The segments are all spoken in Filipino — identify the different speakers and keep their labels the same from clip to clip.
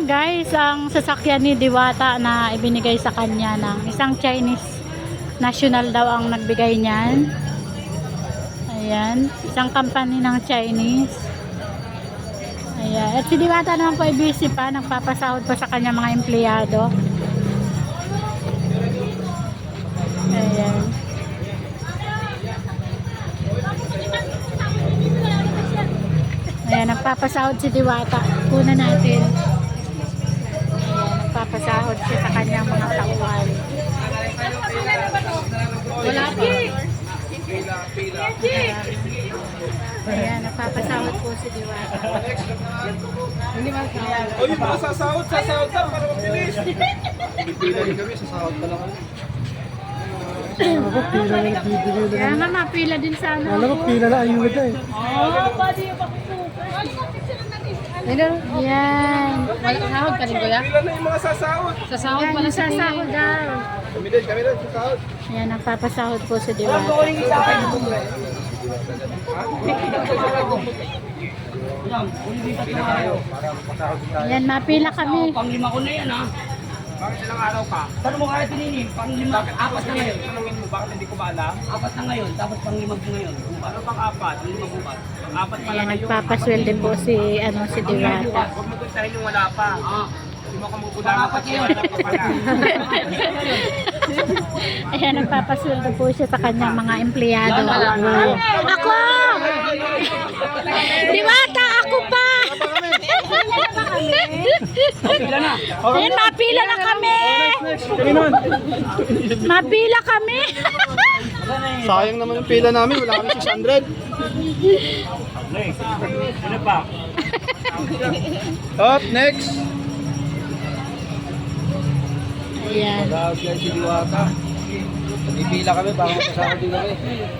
Speaker 1: lang guys ang sasakyan ni Diwata na ibinigay sa kanya ng isang Chinese national daw ang nagbigay niyan. Ayan, isang company ng Chinese. Ayan, at si Diwata naman po ay busy pa, nagpapasahod pa sa kanya mga empleyado. Ayan. Ayan, nagpapasahod si Diwata. Kuna natin. Ayan, nagpapasahod siya sa kanyang mga tauhan. Wala pa. Ayan, nagpapasahod po si Diwata.
Speaker 2: O yung mga sasahod lang para mabilis. Pila rin kami, sasahod pa lang kami.
Speaker 1: Kaya nga mapila din sa ano.
Speaker 3: Alam ko, pila na ayuda eh.
Speaker 1: Yan.
Speaker 4: Wala sahod ka rin, kuya?
Speaker 2: Pila na yung mga sasahod.
Speaker 4: Sa sahod
Speaker 1: Yan,
Speaker 4: pala
Speaker 1: yung sasahod daw.
Speaker 2: Kami din, sasahod.
Speaker 1: Ayan, nagpapasahod po si Diwata. Ayan, mapila kami.
Speaker 4: Panglima ko na yan, ha?
Speaker 2: Bakit ilang araw ka?
Speaker 4: Paano mo kaya pinili? Panglima, apat na ngayon.
Speaker 2: Tanungin mo, bakit hindi ko maalam?
Speaker 4: Apat na ngayon, tapos panglima ko ngayon.
Speaker 2: Ano pang apat? Lima bukas. Ang apat pa
Speaker 1: Ayan,
Speaker 2: lang ngayon.
Speaker 1: nagpapaswelde po si, si Diwata.
Speaker 2: Huwag mo puntahin yung wala pa.
Speaker 4: Ah,
Speaker 2: Hindi mo kamugulama
Speaker 4: Apat yun.
Speaker 2: wala pa pala.
Speaker 1: Ayan, nagpapaswelde po siya sa kanyang mga empleyado. Ako! Diwata, ako pa!
Speaker 4: pila na.
Speaker 1: Ayan, mapila na kami! Mapila kami!
Speaker 2: Sayang naman yung pila namin, wala kami 600. Sino pa? Up, next.
Speaker 1: Ayan.
Speaker 2: Dahil siya si Diwata. Nagpipila kami, baka magkasama din kami.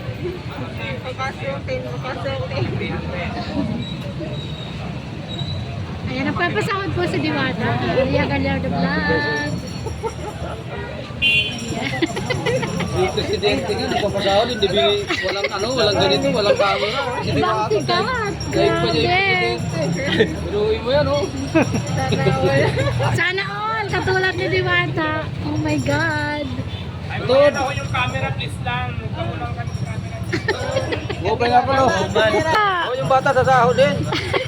Speaker 1: Ayan, nagpapasahod po si Diwata. Ria Gallardo Vlog.
Speaker 2: Si Presidente nga, nagpapasahod, hindi walang ganito, walang camera. Si
Speaker 1: Ibang tikat. Grabe.
Speaker 2: Biruin mo yan, oh.
Speaker 1: Sana all. Katulad ni Diwata. Oh my God.
Speaker 2: Tod! Ako yung camera, please lang. Huwag lang kami camera. Huwag nga pala. Oh, yung bata sa sahod din.